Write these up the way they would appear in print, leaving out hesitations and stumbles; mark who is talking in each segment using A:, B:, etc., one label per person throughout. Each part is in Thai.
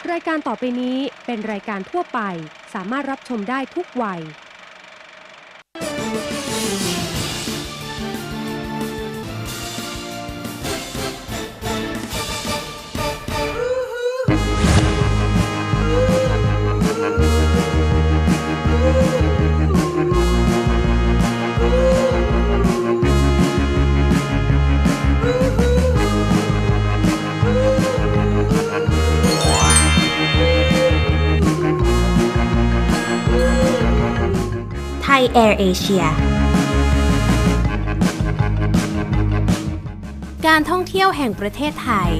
A: รายการต่อไปนี้เป็นรายการทั่วไปสามารถรับชมได้ทุกวัย
B: ไทยแอร์เอเชียการท่องเที่ยวแห่งประเทศไทย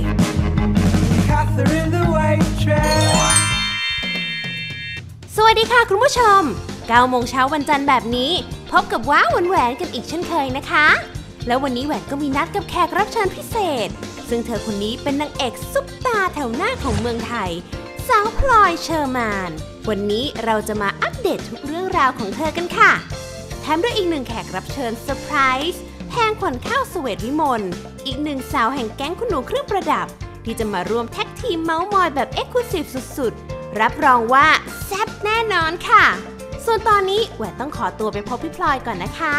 B: สวัสดีค่ะคุณผู้ชม 9 โมงเช้าวันจันทร์แบบนี้พบกับว้าวแหวนกันอีกเช่นเคยนะคะแล้ววันนี้แหวนก็มีนัดกับแขกรับเชิญพิเศษซึ่งเธอคนนี้เป็นนางเอกซุปตาแถวหน้าของเมืองไทยสาวพลอยเชอร์มานวันนี้เราจะมาอัปเดตทุกเรื่องราวของเธอกันค่ะแถมด้วยอีกหนึ่งแขกรับเชิญเซอร์ไพรส์แพงขวัญข้าวเสวตวิมลอีกหนึ่งสาวแห่งแก๊งคุณหนูเครื่องประดับที่จะมาร่วมแท็กทีมเมาส์มอยแบบเอ็กซ์คลูซีฟสุดๆรับรองว่าแซ่บแน่นอนค่ะส่วนตอนนี้แหวนต้องขอตัวไปพบพี่พลอยก่อนนะคะ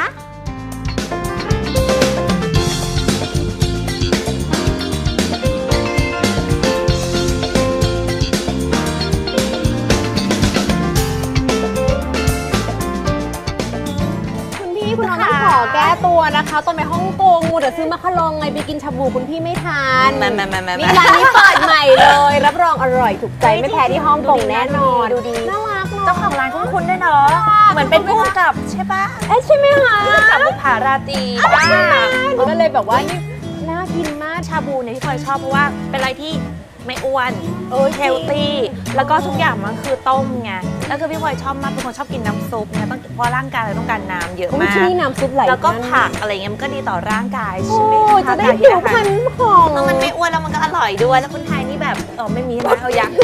C: คุณน้องต้องขอแก้ตัวนะคะตอนไปฮ่องกงมูแต่ซื้อมาคาลองไงไปกินชาบูคุณพี่ไม่ทานนี่ร้านนี้เปิดใหม่เลยรับรองอร่อยถูกใจไม่แพ้ที่ฮ่องกงแน่นอนดูดีน่ารักเนาะ
D: เจ้าของร้านคุ้นๆด้วยเนาะเหมือนเป็นผู้กำกับใช่ปะ
C: ใช่ไหมคะ
D: ผู้กำกับบุปผาราตรี
C: ใช่ก็เลยแบบว่านี่น่ากินมาก
D: ชาบูเนี่ยที่พลอยชอบเพราะว่าเป็นอะไรที่ไม่อ้วนเฮลตี้แล้วก็ทุกอย่างมันคือต้มไงแล้วคือพี่พลอยชอบมากเป็นคนชอบกินน้ำซุปเนี่ยต้องเพราะร่างกายเราต้องการน้ำเยอะมาก
C: ที่น้ำซุปไหล
D: แล้วก็ผักอะไรเงี้ยมันก็ดีต่อร่างกายใช่ไหมคะ
C: จะได้ผิวพรรณหอม
D: มันไม่อ้วนแล้วมันก็อร่อยด้วยแล้วคนไทยนี่แบบไม่มีนะเอายัง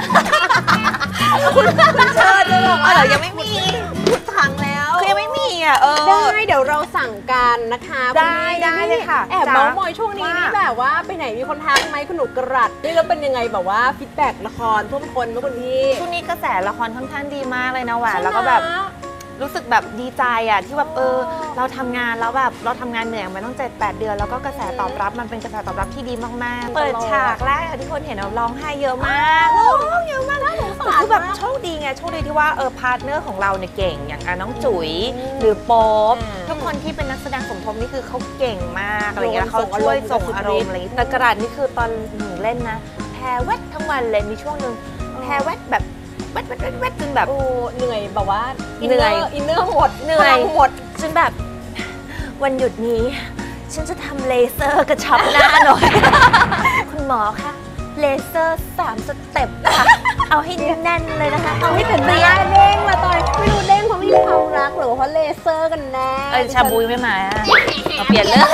D: คุณเชิญเลยบอกว่ายังไม่มีพูดถังแล้วคือยังไม่มีอ่ะ
C: ได้เดี๋ยวเราสั่งกันนะคะ
D: ได้เลยค่ะ
C: แอบเมาส์มอยช่วงนี้นี่แบบว่าไปไหนมีคนทักไหมคุณหนูกระรัดนี่แล้วเป็นยังไงแบบว่าฟีดแบ็กละครท่วมท้นเมื่อวันที่
D: ช่วงนี้กระแสละครค่อนข้างดีมากเลยนะแหวนแล้วก็แบบรู้สึกแบบดีใจอ่ะที่แบบเราทำงานแล้วแบบเราทำงานเหนื่อยมาต้อง7-8 เดือนแล้วก็กระแสตอบรับมันเป็นกระแสตอบรับที่ดีมากๆเปิดฉากแรกที่คนเห็นเราร้องไห้เยอะมากร้องเยอะมากแล้วคือแบบโชคดีไงโชคดีที่ว่าพาร์ทเนอร์ของเราเนี่ยเก่งอย่างน้องจุ๋ยหรือโป๊ปทุกคนที่เป็นนักแสดงสมทบนี่คือเขาเก่งมากอะไรเงี้ยเขาช่วยส่งอารมณ์อะไรแต่กระดาษนี่คือตอนหนูเล่นนะแพ้เวททั้งวันเลยมีช่วงนึงแพ้เวทแบบเวทจนแบบ
C: เหนื่อยแบบว่า
D: เหนื่อย
C: อินเนอร์หมด
D: เหนื่อยหมดจนแบบวันหยุดนี้ฉันจะทำเลเซอร์กระชับหน้าหน่อยคุณหมอคะเลเซอร์3 สเต็ปค่ะเอาให้แน่นเลยนะคะ
C: เอาให้ถึงหน้าเด้งละตอนไม่รู้เด้งเพราะไม่มีความรักหรือเพราะเลเซอร์กันแน่
D: ชาบูไม่มาเปลี่ยนเรื่อง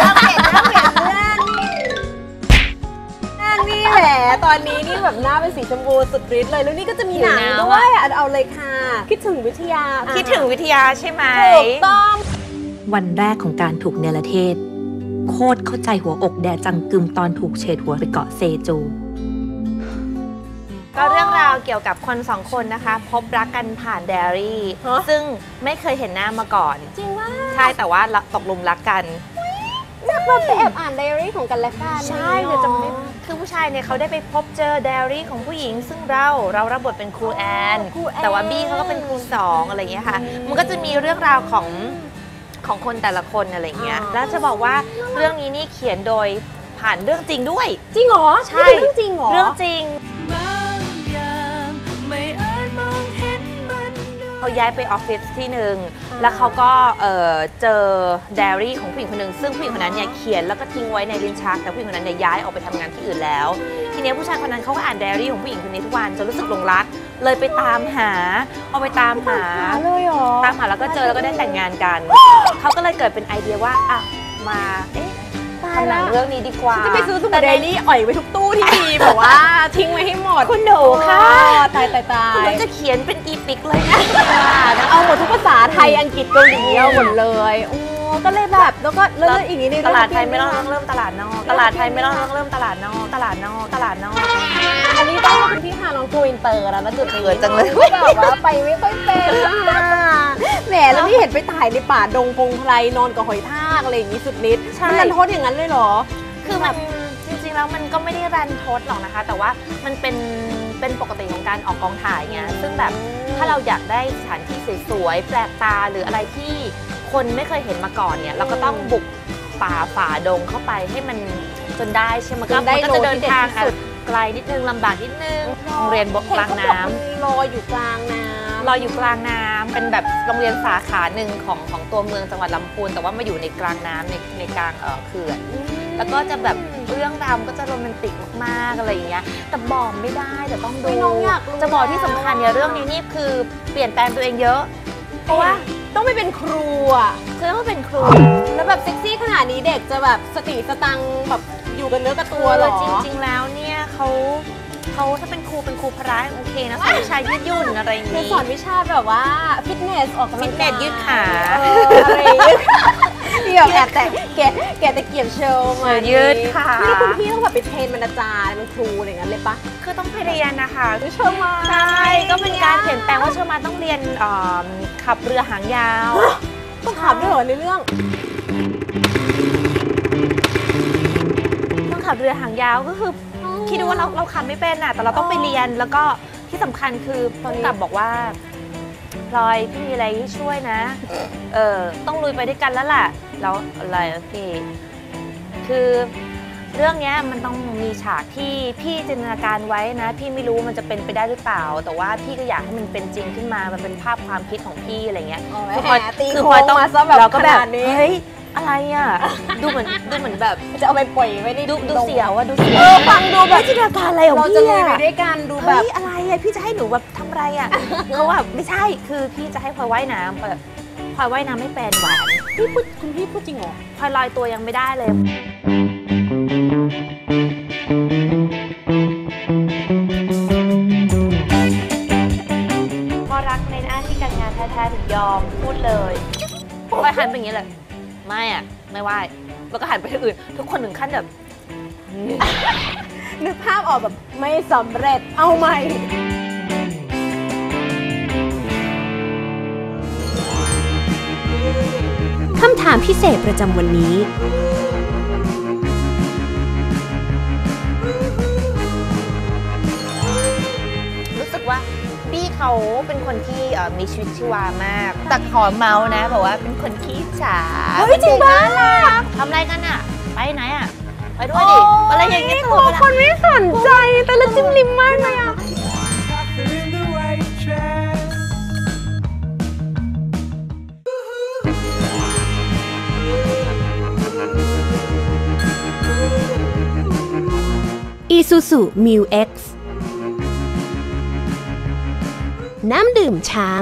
C: นี่แหละตอนนี้นี่แบบหน้าเป็นสีชมพูสุดฤทธิ์เลยแล้วนี่ก็จะมีหนังด้วยเอาเลยค่ะคิดถึงวิทยา
D: ใช่ไหม
C: ถูกต้อง
B: วันแรกของการถูกเนรเทศโคตรเข้าใจหัวอกแดจังกึมตอนถูกเฉดหัวไปเกาะเซจู
D: ก็เรื่องราวเกี่ยวกับคน2 คนนะคะพบรักกันผ่านไดอารี่ซึ่งไม่เคยเห็นหน้ามาก่อน
C: จริงว่า
D: ใช่แต่ว่าตกหลุมรักกัน
C: จากเราไปแอบอ่านไดอารี่ของกันและกัน
D: ใช่เดี๋ยวจะไม่คือผู้ชายเนี่ยเขาได้ไปพบเจอไดอารี่ของผู้หญิงซึ่งเรารับบทเป็นครูแอนแต่ว่าบี้เขาก็เป็นครู2อะไรอย่างเงี้ยค่ะมันก็จะมีเรื่องราวของคนแต่ละคนอะไรเงี้ยแล้วจะบอกว่าเรื่องนี้นี่เขียนโดยผ่านเรื่องจริงด้วย
C: จริงเหรอ
D: ใช่
C: เรื่องจริงเหรอ
D: เรื่องจริงเขาย้ายไปออฟฟิศที่หนึ่งแล้วเขาก็เจอไดอารี่ของผู้หญิงคนหนึ่งซึ่งผู้หญิงคนนั้นเนี่ยเขียนแล้วก็ทิ้งไว้ในลิ้นชักแต่ผู้หญิงคนนั้นเนี่ยย้ายออกไปทำงานที่อื่นแล้วทีนี้ผู้ชายคนนั้นเขาก็อ่านไดอารี่ของผู้หญิงคนนี้ทุกวันจนรู้สึกหลงรักเลยไปตามหาตามหาแล้วก็เจอแล้วก็ได้แต่งงานกันเขาก็เลยเกิดเป็นไอเดียว่ามาทำหนังเรื่องนี้ดีกว่า
C: จะไปซื้อสมุดไดอารี่อ่อยไว้ทุกตู้ที่มีแบบว่าทิ้งไว้ให้หมด
D: คุณหนูค่ะ
C: ตาย
D: คุณจะเขียนเป็นอีพิกเลยนะ
C: เอาหมดทุกภาษาไทยอังกฤษเกาหลีเอาหมดเลยก็เลยแบบแล้วก็เริ่มอีกนิดนึง
D: ตลาดไทยไม่ต้องเริ่มตลาดนอกตลาดไทยไม่ต้องเริ่มตลาดนอกอันนี้
C: ต้องคุณพี่พาน้องโกอินเตอร์แล้วนะจุดนี้
D: เขินจังเลย
C: แบบว่าไปไม่ค่อยเป็นแหมแล้วนี่เห็นไปถ่ายในป่าดงพงไพรนอนกับหอยทากอะไรอย่างนี้สุดฤทธิ์มันรันทดอย่างนั้นเลยเหรอ
D: คือมันจริงๆแล้วมันก็ไม่ได้รันทดหรอกนะคะ แต่ว่ามันเป็นปกติของการออกกองถ่ายไงซึ่งแบบถ้าเราอยากได้สถานที่สวยๆแปลกตาหรืออะไรที่คนไม่เคยเห็นมาก่อนเนี่ยเราก็ต้องบุกป่าฝ่าดงเข้าไปให้มันจนได้ใช่ไหมก็มันก็จะเดินทางไกลนิดนึงลำบากนิดนึงโรงเรียนบกกลางน้ำ
C: ลอยอยู่กลางน้ำ
D: ลอยอยู่กลางน้ำเป็นแบบโรงเรียนสาขาหนึ่งของตัวเมืองจังหวัดลำพูนแต่ว่ามาอยู่ในกลางน้ำในกลางเขื่อนแล้วก็จะแบบเรื่องราวก็จะโรแมนติกมากๆอะไรอย่างเงี้ยแต่บอกไม่ได้แต่ต้องดู
C: น้องอยากรู้
D: จะบอกที่สำคัญเนี่ยเรื่องนี้นี่คือเปลี่ยนแปลงตัวเองเยอะ
C: เพราะว่าต้องไม่เป็นครูอ่ะ
D: คือต้องเป็นครู
C: แล้วแบบเซ็กซี่ขนาดนี้เด็กจะแบบสติสตังค์แบบอยู่กันเนื้อกับตัวเหรอ
D: จริงๆแล้วเนี่ยเขาถ้าเป็นครูพระโอเคนะสอนวิชายืดหยุ่นอะไรอย่าง
C: คือ
D: งี้
C: สอนวิชาแบบว่าฟิตเนสออกกำลังกาย
D: ฟิตเนสยืดขา
C: อะไรยืดที่แบบแอบแต่แกะตะเกียบโชว์มา
D: ยืดขา
C: นี่คุณพี่ต้องแบบไปเทรนบรรณาจารย์เป็นครูอะไรอย่างนั้นเลยปะ
D: คือต้องไปเรียนนะคะ
C: เชื่อมา
D: ใช่ก็เป็นการเปลี่ยนแปลงว่าเชอร์มานต้องเรียนขับเรือหางยาว
C: ต้องขับด้วยเหรอในเรื่อง
D: ต้องขับเรือหางยาวก็คือคิดดูว่าเราขับไม่เป็นอ่ะแต่เราต้องไปเรียนแล้วก็ที่สำคัญคือผู้กำกับบอกว่าพลอยพี่มีอะไรให้ช่วยนะต้องลุยไปด้วยกันแล้วล่ะแล้วอะไรพี่คือเรื่องนี้มันต้องมีฉากที่พี่จินตนาการไว้นะพี่ไม่รู้มันจะเป็นไปได้หรือเปล่าแต่ว่าพี่ก็อยากให้มันเป็นจริงขึ้นมามันเป็นภาพความคิดของพี่อะไรเงี้ย
C: คือพลอยตี
D: คือ
C: โค้
D: พลอย
C: ง
D: ต้อง
C: มาซะแบบ
D: เราก็แบบ
C: ขนาดนี้
D: เฮ้ยอะไรอ่ะดูเหมือนแบบ
C: จะเอาไปปล่อยไว้ใน
D: ดูเสียวอะดูเสียว
C: ฟังดูแบบ
D: จินตนาการอะไรของ
C: เรา
D: พี่
C: จะลุย
D: อะ
C: ไปด้วยกันดูแบ
D: เฮ้
C: บ
D: ยอะไรอะพี่จะให้หนูแบบทำอะไรอะ เขาแบบไม่ใช่คือพี่จะให้พลอยว่ายน้ำแบบพลอยว่ายน้ำไม่เป็นหวาน
C: คุณพี่พูดจริงเหรอ
D: พลอยลอยตัวยังไม่ได้เลยพอรักในหน้าที่การงานแท้ๆถึงยอมพูดเลยพลอยหันไปอย่างนี้เลยไม่อะไม่ไหวแล้วก็หันไปที่อื่น ทุกคนถึงขั้นแบบ
C: นึกภาพออกแบบไม่สำเร็จเอาใหม่
A: คำถามพิเศษประจำวันนี้
D: รู้สึกว่าบี้เขาเป็นคนที่มีชีวิตชีวามากแต่ขอเมาส์นะบอกว่าเป็นคนขี้ฉา
C: เฮ้ยจริงปะ
D: ทำอะไรกันอะไปไหนอะไปด้วยดิอะไรอย่างเงี้ยตัว
C: คนไม่สนใจแต่ละจิ้มลิ้มมากเลยอ่ะ
A: Isuzu Mu X น้ำดื่มช้าง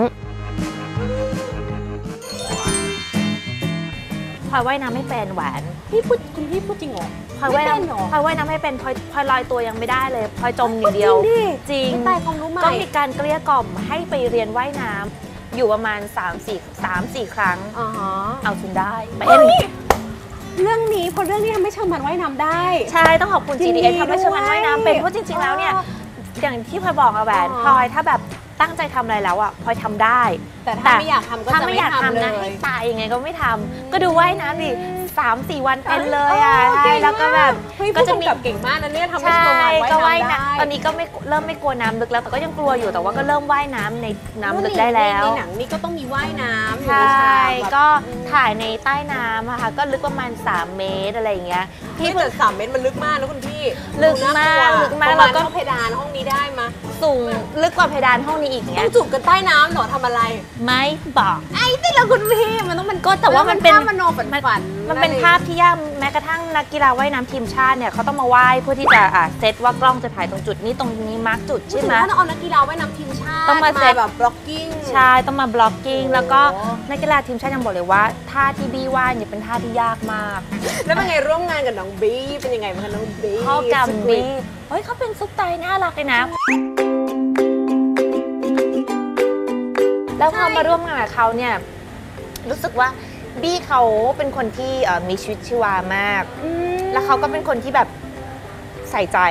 D: พลอยว่ายน้ำไม่เป็นหวาน
C: คุณพี่พูดจริงเหรอ
D: พลอยว่าย
C: ไม่เป็นเหรอ
D: น้ำพลอยว่ายน้ำไม่เป็นพลอยลอยตัวยังไม่ได้เลยพลอยจมอย่างเดียว จริง
C: ไม่ตายความรู้ใหม่
D: ก็มีการเกลี้ยกล่อมให้ไปเรียนว่ายน้ำอยู่ประมาณ 3-4 ครั้ง
C: อ๋อ
D: เอาจนได้เป็น
C: เรื่องนี้พอเรื่องนี้ทำให้เชอร์มันว่ายน้ำได้
D: ใช่ต้องขอบคุณ
C: ยินดี
D: GDS ทำให้เชอร์มัน
C: ด้วย
D: ว่ายน้ำเป็นเพราะจริงๆแล้วเนี่ยอย่างที่พลอยบอกอะแหวน
C: อ๋อ
D: พลอยถ้าแบบตั้งใจทำอะไรแล้วอะพลอยทำได้
C: แต่ถ้าไม่อยากทำก็
D: ถ้า
C: จะ
D: ไม่
C: ไม่
D: อยาก
C: ทำ
D: ทำ
C: เล
D: นะ
C: ย
D: ให้ตายยังไงก็ไม่ทำก็ดูว่ายน้ำดิ3-4 วันเป็นเลยอะ
C: โอ้
D: ใช่
C: เก่ง
D: แล้วก็แบบ
C: เฮ้ย
D: ก็
C: ผู้
D: จะ
C: กำ
D: มี
C: กับเก่งมากนะเนี่ยทำให้
D: ใช่
C: เชอร์มัน
D: ก็
C: ว่า
D: ว่าย ย
C: น้ำได้
D: น้ำตอนนี้ก็เริ่มไม่กลัวน้ำลึกแล้วแต่ก็ยังกลัวอยู่แต่ว่าก็เริ่มว่ายน้ำในน้ำลึกได้แล้ว
C: ในหนังนี่ก็ต้องมีว่ายน้ำอยู่
D: ใช
C: ในฉา
D: ่
C: กแบบ
D: ก็ถ่ายในใต้น้ำอะค่ะก็ลึกประมาณ3 เมตรอะไรอย่างเงี้ย
C: พี่เปิด3 เมตรมันลึกมากนะคุณพี่
D: ลึกมาก
C: น่
D: ลึกมาก
C: ประ
D: แล้
C: มาณ
D: วก็
C: เท่าเพดานห้องนี้ได้มา
D: สูงลึกกว่าเพดานห้องนี้อีก
C: ต้
D: เงี้
C: อย งจูบกันใต้น้ำเหรอทำอะไร
D: ไม่บอก
C: ไอ้ที่เราคุณพี่มันต้องมัน
D: ก็แต่ว่ามันเป็น
C: ภาพมโนฝัน
D: มันเป็นภาพที่ยากแม้กระทั่งนักกีฬาว่ายน้ำทีมชาติเนี่ยเขาต้องมาว่ายเพื่อที่จะเซตว่ากล้องจะถ่ายตรงจุดนี้ตรงนี้มาร์กจุด
C: ใช่
D: ใช่
C: ไห
D: ไห
C: ม
D: ม
C: ถ้าเอานักกีฬาว่ายน้ำทีมชาติ
D: ต้องมาเซ็ต
C: แบบบล็อกกิ้ง
D: ใช่ต้องมาบล็อกกิ้ง
C: โอ้
D: แล้วก็นักกีฬาทีมชาติยังบอกเลยว่าท่าที่บี้ว่ายเนี่ยเป็นท่าที่ยากมาก
C: แล้วเป็นไงร่วมงานกับน้องบี้เป็นยังไงบ้างคะน้องบี้
D: เข้ากับบี้เฮ้ยเขาเป็นซุปไตน่ารักเลยนะ แล้วพอมาร่วมงานกับเขาเนี่ยรู้สึกว่าบี้เขาเป็นคนที่มีชีวิตชีวามาก แล้วเขาก็เป็นคนที่แบบใส่ใจอะ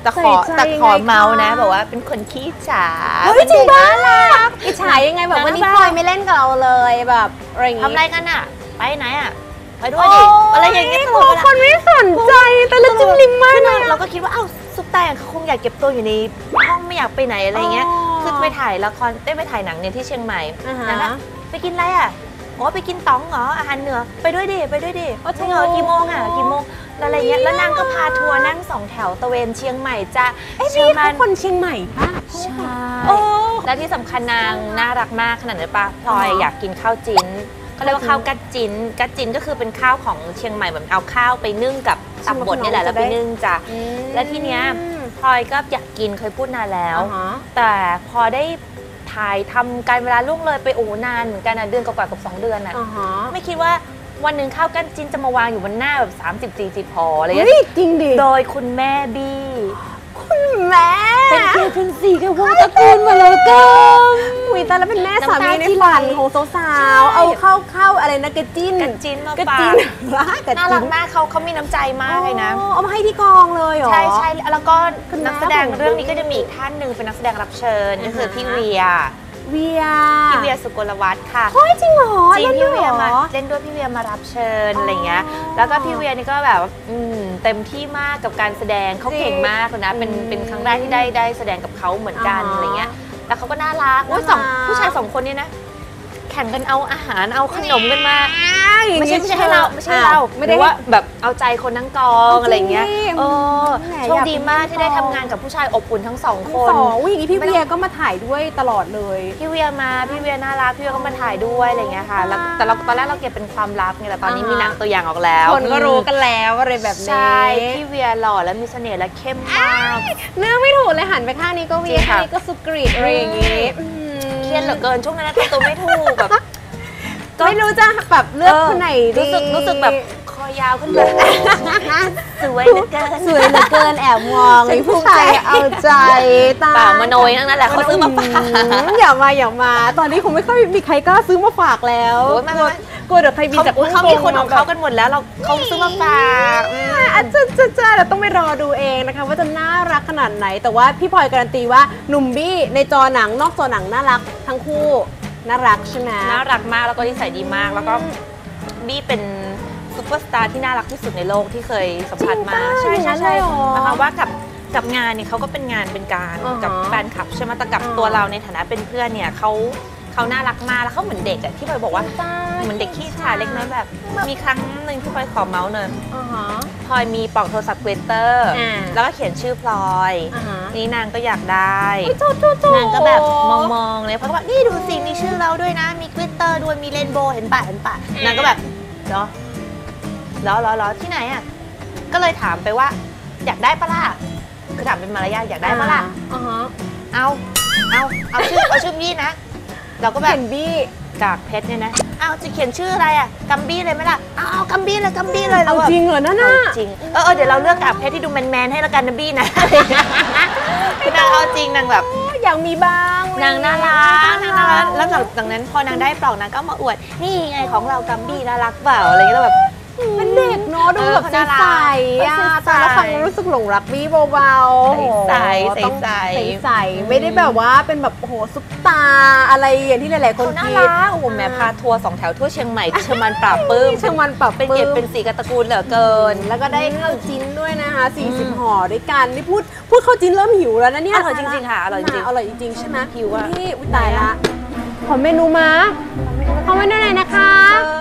D: แต่ขอเมาส์นะแบบว่าเป็นคนขี้ฉา
C: เฮ้ยจริงบ้าล่ะอิจฉายังไงแบบวันนี้พลอยไม่เล่นกับเราเลยแบบอะไรอย่างงี้
D: ทำอะไรกันอ่ะไปไหนอ่ะไปด้วยดิอะไรอย่างเงี้ย
C: คนไม่สนใจแต่ละจิ้มลิ้มมากเลย
D: เราก็คิดว่าซุปตาเขาคงอยากเก็บตัวอยู่ในห้องไม่อยากไปไหนอะไรเงี้ยคือไปถ่ายละครไปถ่ายหนังเนี่ยที่เชียงใหม่นั่นไปกินอะไรอ่ะไปกินต๋องเหรออาหารเหนือไปด้วยดิจริงเหรอกี่โมงอะไรเงี้ยแล้วนางก็พาทัวร์นั่ง2 แถวตะเวนเชียงใหม่จ้ะ
C: พี่เขาคนเชียงใหม่ป่ะ
D: ใช่และที่สำคัญนางน่ารักมากขนาดนั้นป่ะพลอยอยากกินข้าวจิ้นเขาเรียกว่าข้าวกัดจิ้นก็คือเป็นข้าวของเชียงใหม่แบบเอาข้าวไปนึ่งกับตับบดนี่แหละแล้วไปนึ่งจ้ะและทีเนี้ยพลอยก็อยากกินเคยพูดนานแล้วแต่พอได้ถ่ายทำการเวลาล่วงเลยไปนานเหมือนกันนะเดือนกว่ากับ2 เดือนอ่ะไม่คิดว่าวันหนึ่งข้าวกั้นจิ้นจะมาวางอยู่บนหน้าแบบ30-40 ห่ออะไรอย่างเงี้ย
C: จริงดิ
D: โดยคุณแม่บี้
C: คุณแม่
D: เป็นเกย์เป็นสีกับวงตระกูลมาเลยก็
C: อุ้ยแต่แล้วเป็นแม่สามีในฝันของสาวๆเอาเข้าอะไรนะกระจิ้น
D: มาฝากน่ารักมากเขามีน้ำใจมากเลยนะ
C: เอามาให้ที่กองเลยเหรอ
D: ใช่แล้วก็นักแสดงเรื่องนี้ก็จะมีอีกท่านหนึ่งเป็นนักแสดงรับเชิญก็คือพี่เวียสุกลวัฒน์ค่ะ
C: เฮ้ยจริงเหรอ
D: จริงพี่เวียมาเล่นด้วยพี่เวียมารับเชิญอะไรเงี้ยแล้วก็พี่เวียนี่ก็แบบเต็มที่มากกับการแสดงเขาเก่งมากเลยนะเป็นครั้งแรกที่ได้แสดงกับเขาเหมือนกันอะไรเงี้ยแล้วเขาก็น่ารักผู้ชาย2 คนนี้นะแข่งกันเอาอาหารเอาขนมกันมาไม่ใช่ให้เราไม่ได้ว่าแบบเอาใจคนทั้งกองอะไรเงี้ยโชคดีมากที่ได้ทำงานกับผู้ชายอบอุ่นทั้ง2 คน
C: อย่างนี้พี่เวียก็มาถ่ายด้วยตลอดเลย
D: พี่เวียน่ารักพี่เวียก็มาถ่ายด้วยอะไรเงี้ยค่ะแต่เราตอนแรกเราเก็บเป็นความลับไงแต่ตอนนี้มีหนังตัวอย่างออกแล้ว
C: คนก็รู้กันแล้วอะไรแบบนี้
D: ใช่พี่เวียหล่อและมีเสน่ห์และเข้มมาก
C: เนื้อไม่ถูกเลยหันไปข้างนี้ก็เวียข้างนี้ก็สุกรีดอะไรอย่างงี้
D: เครียดเหลือเกินช่วงนั้นตัวไม่ถูกแบบ
C: ไม่รู้จะแบบเลือกคนไหนดี
D: รู้สึกแบบคอยาวขึ้นเลยสวยเหลือเ
C: กินแอบมองไอ้ผู้ชายเอาใจตา
D: มโนยทั้งนั้นแหละเขาซื้อมาฝาก
C: อย่ามาตอนนี้คงไม่ค่อยมีใครกล้าซื้อมาฝากแล้วกลัวเดี๋ยวใครบินจาก
D: เขามีคนของเขากันหมดแล้วเขาซื้อมาฝาก
C: จ้าเราต้องไปรอดูเองนะคะว่าจะน่ารักขนาดไหนแต่ว่าพี่พลอยการันตีว่าหนุ่มบี้ในจอหนังนอกจอหนังน่ารักทั้งคู่น่ารักใช่ไหม
D: น่ารักมากแล้วก็นิสัยดีมากแล้วก็บี้เป็นซุปเปอร์สตาร์ที่น่ารักที่สุดในโลกที่เคยสัมผัสมา
C: ใช่
D: นะคะว่ากับงานเนี่ยเขาก็เป็นงานเป็นการกับแฟนคลับใช่ไหมแต่กับตัวเราในฐานะเป็นเพื่อนเนี่ยเขาน่ารักมากแล้วเขาเหมือนเด็กอะที่พลอยบอกว่าเหมือนเด็กขี้ฉาเล็กน้อยแบบมีครั้งหนึ่งที่พลอยขอเมาส์เนยพลอยมีปลอกโทรศัพท์เกรเตอร์แล้วก็เขียนชื่อพลอยนี่นางก็อยากได้นางก็แบบมองเลยเพราะว่านี่ดูสิมีชื่อเราด้วยนะมีกริตเตอร์ด้วยมีเรนโบว์เห็นปะนางก็แบบเหรอที่ไหนอะก็เลยถามไปว่าอยากได้ปะล่ะคือถามเป็นมารยาทอยากได้ปะล่ะเอาชื่อบี้นะเราก็แบบบี้กากเพชรเนี่ยนะจะเขียนชื่ออะไรอ่ะกัมบี้เลยไหมล่ะเอากัมบี้เลย
C: เอาจริงเหรอนั่นน่ะ
D: จริงเดี๋ยวเราเลือกกากเพชรที่ดูแมนให้ละกันนะบี้นะคือนางเอาจริงนางแบบ
C: อยากมีบ้าง
D: นางน่ารักแล้วจากนั้นพอนางได้ปลอกนางก็มาอวดนี่ไงของเรากัมบี้น่ารักเปล่าอะไรเงี้ยแบบ
C: เป็นเด็กเนาะดูแบบใสๆแต่แล้วฟังรู้สึกหลงรักบี้เบา
D: ๆใส
C: ไม่ได้แบบว่าเป็นแบบโอ้โหซุปตาอะไรอย่างที่หลายๆคน
D: คิดน่ารักโอ้โหแม่พาทัวร์2 แถวทั่วเชียงใหม่เชียงมันปราบปื้มเป็นเกียรติเป็นสีกับตระกูลเหลือเกิน
C: แล้วก็ได้ข้าวจิ้นด้วยนะคะ40 ห่อด้วยกันนี่พูดข้าวจิ้นเริ่มหิวแล้วนะเนี่ย
D: อร่อยจริงๆค่ะอร่อย
C: จริงใช่ไหม
D: หิวอ่ะ
C: นี่ตายละขอเมนูมาขอเมนูหน่อยนะคะ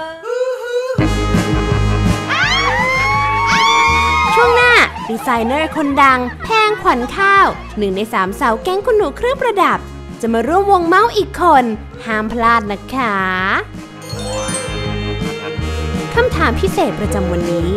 B: ช่วงหน้าดีไซเนอร์คนดังแพงขวัญข้าว1 ใน 3สาวแก๊งคุณหนูเครื่องประดับจะมาร่วมวงเมาส์อีกคนห้ามพลาดนะคะคำถามพิเศษประจำวันนี้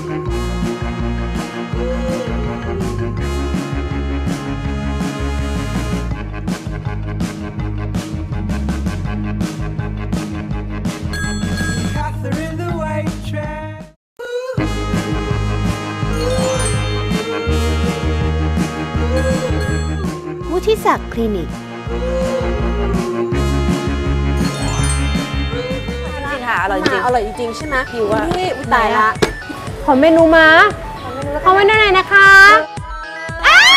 B: ที่ศักดิ์คลินิก
D: อร่อยจริง
C: ใช่ไหม
D: หิวอ่ะ
C: นี่ตายละขอเมนูมาขอเมนูหน่อยนะคะ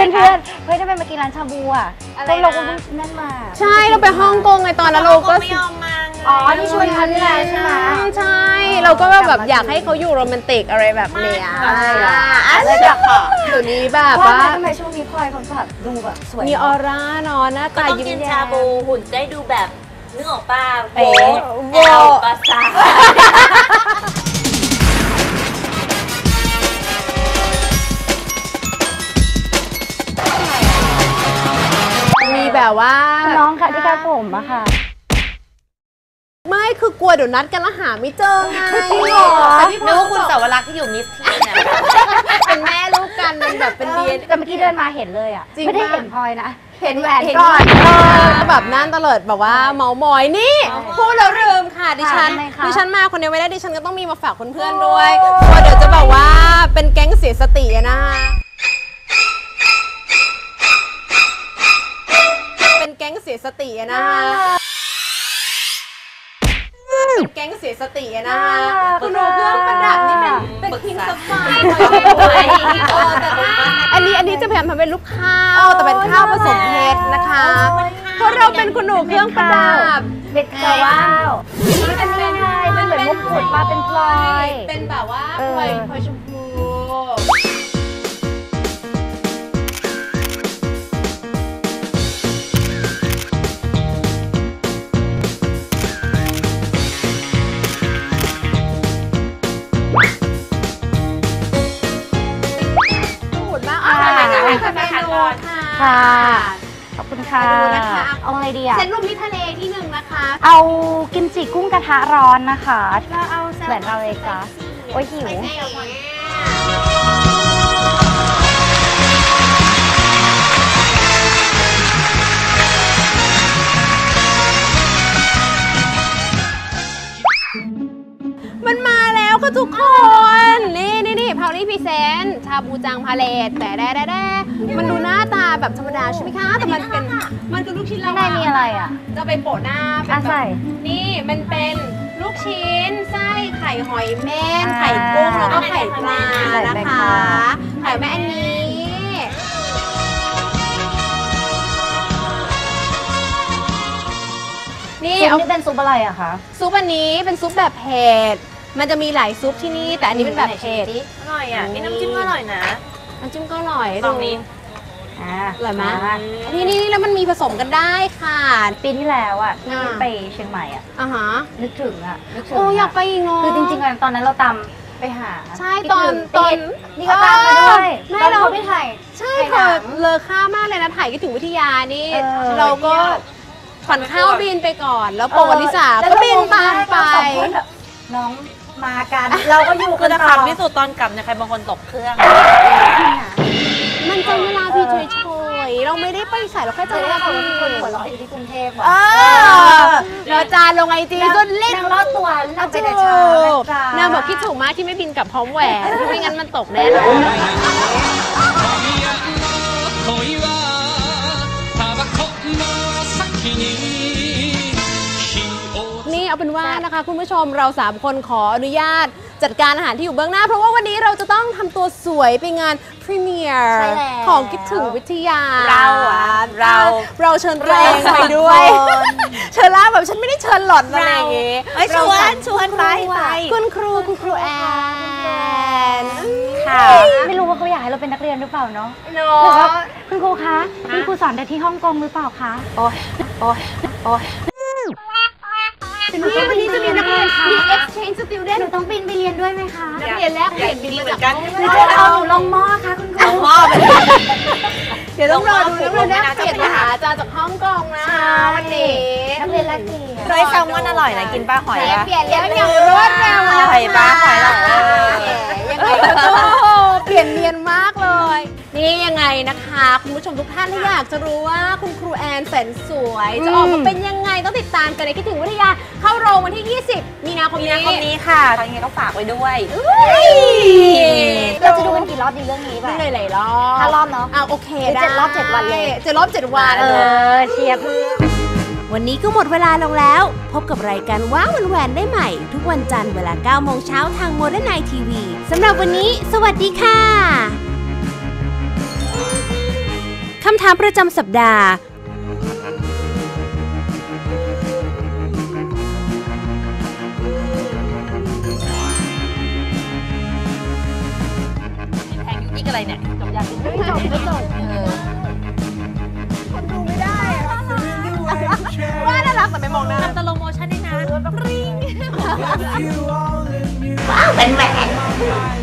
E: ฮ้ยทำไมมากินร้านชาบูอ่ะพวกเราก็เพิ่งนั่นมา
C: ใช่เราไปฮ่องกงไงตอนนั้นเราก็
D: ไม่ยอมมา
E: อ๋อที่ชวนเขานี่แหละใช่ไหม
C: ใช่เราก็แบบอยากให้เขาอยู่โรแมนติกอะไรแบบเนี้ย
E: เลยอยากขอ
C: เดี๋ยวนี้แบบว่า
E: ทำไมช่วงนี้พลอยคนแบบดูแบบสวย
C: มีออร่าเนาะหน้าตายิ้มแย้มชาบู
B: หุ่นได้ดูแบบนึกออกป่ะโ
C: ว
B: ปาซา
C: มีแบบว่า
E: น้องค่ะที่คาดผมอะค่ะ
C: ไม่คือกลัวเดี๋ยวนัดกันแล้วหาไม่เจอไง
E: จริงเหรอ
D: นึกว่าคุณสาวรักษ์ที่อยู่มิสทีนเนี่ย
C: เป็นแม่ลูกกันมันแบบเป็นเดียน
E: แต่เมื่อกี้เดินมาเห็นเลยอะไม่ได้เห็นพลอยนะเห็นแหวน
C: ก่อนแบบนั่นตลอดแบบว่าเมามอยนี่พูดแล้วลืมค่ะดิฉันมาคนเดียวไม่ได้ดิฉันก็ต้องมีมาฝากเพื่อนๆด้วยเพราะเดี๋ยวจะบอกว่าเป็นแก๊งเสียสตินะคะเป็นแก๊งเสียสตินะคะแก๊งเสียสตินะคะคุณดูเครื่องประดับนี่เป็นพิงสไฟอันนี้จะพยายามทำเป็นลูกข้าวแต่เป็นข้าวผสมเพชรนะคะเพราะเราเป็นคุณหนูเครื่องประดับ
E: เป็นว้าวนี่เป็นยังไงเป็นเหมือนมุกขุดมาเป็นพลอย
C: เป็นแบบว่าพลอยชมพู
E: ค่ะขอบคุณค่ะเอาอะไรดีอะ
C: เซนรูปมิทะเลที่หนึ่งนะคะ
E: เอากิมจิกุ้งกระทะร้อนนะคะเอาแหวนเราเลยจ้ะโอ้ยหิว
C: มันมาแล้วค่ะทุกคนนี่พาวลี่พรีเซนต์ชาบูจังพาเลตแต่มันดูหน้าตาแบบธรรมดาใช่ไหมคะแต่มันคือลูกชิ้น
E: ข้างในมีอะไรอ่ะ
C: จะไปโปะหน้า
E: ใส่
C: นี่มันเป็นลูกชิ้นไส้ไข่หอยเม่นไข่กุ้งแล้วก็ไข่ปลานะคะไข่แม่อันนี้
E: นี่เป็นซุปอะไรอะคะ
C: ซุปอันนี้เป็นซุปแบบเผ็ดมันจะมีหลายซุปที่นี่แต่อันนี้เป็นแบบเผ็ด
D: อร่อยอ่ะนี่น้ำจิ้มก็อร่อยนะ
C: น้ำจิ้มก็อร่อย
D: ตรงนี้
C: อร่อยไหมนี่แล้วมันมีผสมกันได้ค่ะ
E: ปีที่แล้วอ่ะที่ไปเชียงใหม่อ่ะนึกถึง
C: โอ้อยากไปอีกเนาะ
E: คือจริงๆตอนนั้นเราตามไปหา
C: ใช่ตอน
E: นี่ก็ตามมาด้วย
C: แม่เราไปถ่ายใช่ค่ะเลอค่ามากเลยนะถ่ายคิดถึงวิทยานี่เราก็ผ่อนข้าวบินไปก่อนแล้วโปรลิสาก็บินตามไป
E: น้องมากันเราก็อยู่
D: คือจะขำที่สุดตอนกลับเนี่ยใครบางคนตกเครื่อง
C: มันเป็นเวลาพี่เฉยๆเราไม่ได้ไปใส่เราแค่จะเล่น
E: คนหัวเราะอยู่ที่กรุงเทพ
C: เราจานลงไอจีจนเล่น
E: รอดตัวเราไปแต่เช้าน
C: างบอกคิดถูกมากที่ไม่บินกลับพร้อมแหวนไม่งั้นมันตกแน่นอนนี่เอาเป็นว่านะคะคุณผู้ชมเรา3คนขออนุญาตจัดการอาหารที่อยู่เบื้องหน้าเพราะว่าวันนี้เราจะต้องทำตัวสวยไปงานพรีเมียร์ของคิดถึงวิทยาเราเชิญตัวเองไปด้วยเชิญล่าแบบฉันไม่ได้เชิญหล่อนอะไรอย่างงี้
D: ชวนไป
C: คุณครูแอน
E: ค่ะไม่รู้ว่าเขาอยากให้เราเป็นนักเรียนหรือเปล่าเนาะหรือว่าคุณครูคะคุณครูสอนแต่ที่ฮ่องกงหรือเปล่าคะ
C: โอ้ยวันนี้จะมีนักเรียนมี exchange student
E: หนูต้องบินไปเรียนด้วยไหมคะ
C: นักเรียนแลกเปลี่ยนบิน
D: เหมือนกัน
E: เอาหนูลงหม้อค่ะคุณครู
D: ลงหม้อ
C: เดี๋ยวต้องรอดูนักเรียนแลกเปลี่ยนมหาอาจารย์จากฮ่องกงนะวันนี้
E: นักเรียนแลกเปลี่ยน
D: เคยแซลมอนอร่อยนะกินป้าหอย
C: ปะเปลี่ยนแล้วอย่างรวดเร็ว
D: หอยป้าหอยหรอ
C: ยังไงก็เปลี่ยนเนียนมากเลยนี่ยังไงนะคะคุณผู้ชมทุกท่านถ้าอยากจะรู้ว่าคุณครูแอนแสนสวยจะออกมาเป็นยังไงต้องติดตามกันในคิดถึงวิทยาเข้าโรงวันที่20มีนาคม
D: นี้ค่ะยังไงก็ฝากไว้ด้วย
E: เราจะดูกันกี่รอบดีเรื่องนี้
C: ไปหลายรอ
E: บ5 รอบเนาะ
C: โอเคได้
E: 7 รอบ 7 วันเลย
C: 7 รอบ 7 วัน
E: เชียร์เพื่อ
B: วันนี้ก็หมดเวลาลงแล้วพบกับรายการว้าวแหวนได้ใหม่ทุกวันจันทร์เวลา 9 โมงเช้าทางโมเดิร์นไนท์ทีวีสำหรับวันนี้สวัสดีค่ะคำถามประจำสัปดาห์แทงอีกอะไรเนี่ยจบยังไม่จบคนดูไม่ได้ว่าน่ารักแต่ไม่มองหน้าทำสโลโมชั่นได้นะริงว้าวเป็นแหวน